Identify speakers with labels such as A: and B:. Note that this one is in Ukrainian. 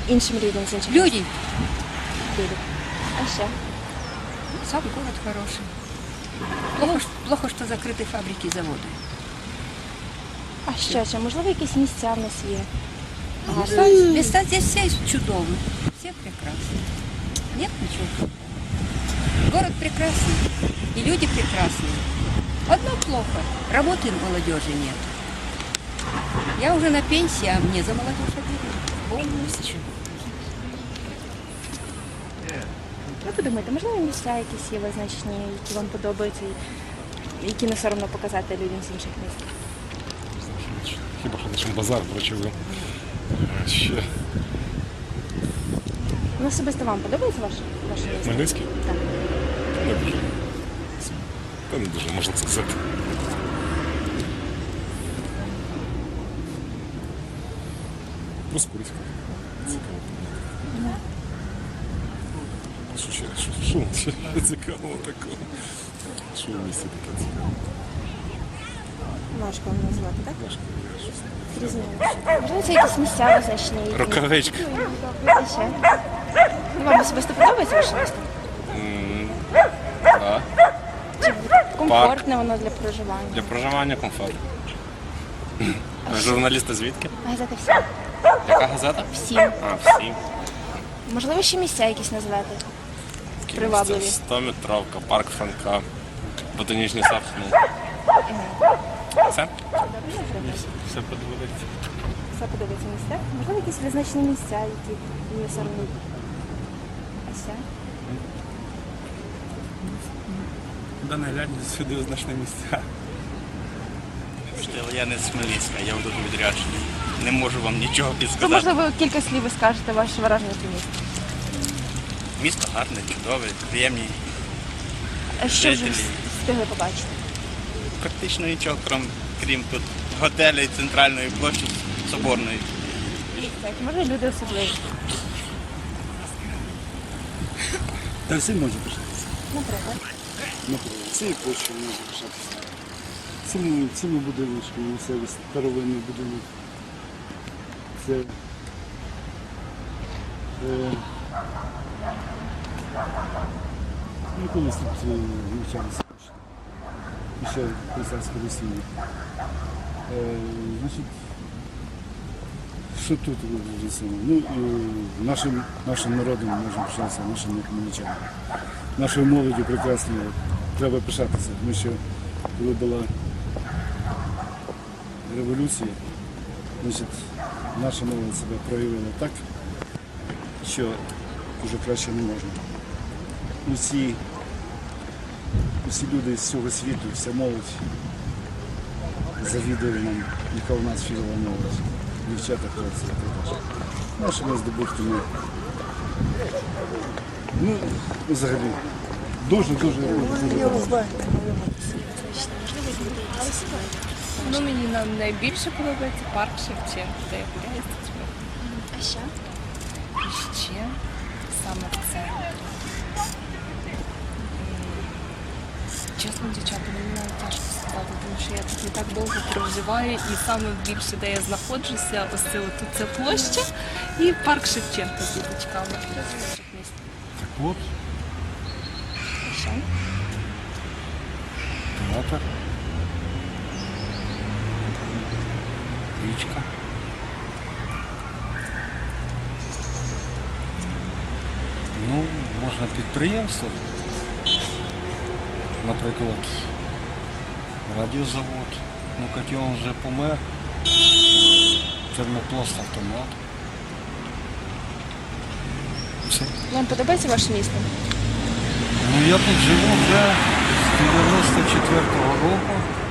A: іншим людям з інших
B: Люди.
A: Люди. А ще?
B: Сам город хороший. Плохо, что закрыты фабрики и заводы.
A: А що ще? Можливо, якісь місця в нас є? Гарні.
B: Места здесь все чудовые. Все прекрасны. Нет ничего плохого. Город прекрасный. И люди прекрасные. Одно плохо. Работы молодежи нет. Я уже на пенсии, а мне за молодежь обидно.
A: Як ви думаєте, можливо, місця якісь є визначені, які вам подобаються, і які не соромно показати людям з інших міст?
C: Хіба що лише базар прочили. Ще
A: Ну, особисто вам подобається ваше місто?
C: Хмельницький?
A: Так.
C: Не дуже. Та не дуже, можна сказати. Проскурська. Цікаво. Що цікавого такого? Що в місті таке цікаво?
A: Важко вам назвати, так? Зрозуміло. Можливо, це якісь місця визначені? які-
C: Рукавичка.
A: А ще? Ну, вам особисто подобається ваше місто?
D: Так.
A: Чи комфортне воно для проживання?
D: Для проживання комфортно. Журналісти звідки?
A: Газета «Всім».
D: Яка газета?
A: «Всім».
D: А, всі.
A: Можливо, ще місця якісь назвати? Привабливі.
D: 100-метровка, парк Франка, ботанічний сад. Все? Все подобається.
A: Все подобається місця? Можливо, якісь визначені місця, які не соромно? А ще?
E: Да наглядні сюди значні місця.
F: Я не з Хмельницька, я тут відряджений. Не можу вам нічого
A: То,
F: підсказати.
A: можливо, кілька слів ви скажете ваше враження про місто.
F: Місто гарне, чудове, приємні.
A: А що вже
F: Жителі.
A: встигли побачити?
F: Практично нічого, крім тут готелю і центральної площі Соборної.
A: Так, може люди особливі.
E: Та всі можуть пишатися.
A: Наприклад.
E: Наприклад, цією площею можна пишатися. Цими будиночками, місцеві старовинний будинок. Це колись тут навчалися ще при царській Росії. Значить, що тут вже саме? Ну, нашим народом можемо пишатися, нашим хмельничанам. Нашою молоддю прекрасною треба пишатися, тому що коли була революція, значить, наша молодь себе проявила так, що вже краще не можна. Усі люди з цього світу, вся молодь завідує нам, яка у нас фігова молодь. Дівчата, хлопці, так. Нашими здобутками. Ну, взагалі, дуже.
G: Ну, мені найбільше подобається парк Шевченка, де я гуляю з дітьми.
A: А ще?
G: І ще саме в центрі. Чесно, дівчата, мені навіть тяжко сказати, тому що я тут не так довго проживаю, і саме більше, де я знаходжуся, ось це тут ця площа і парк Шевченка з діточками.
C: Так от,
A: А ще?
C: театр. Річка. Ну, можна підприємство. Наприклад, радіозавод. Ну, котел вже помер. Термопласт автомат. Все.
A: Вам подобається ваше місто?
C: Ну, я тут живу вже з 94-го року.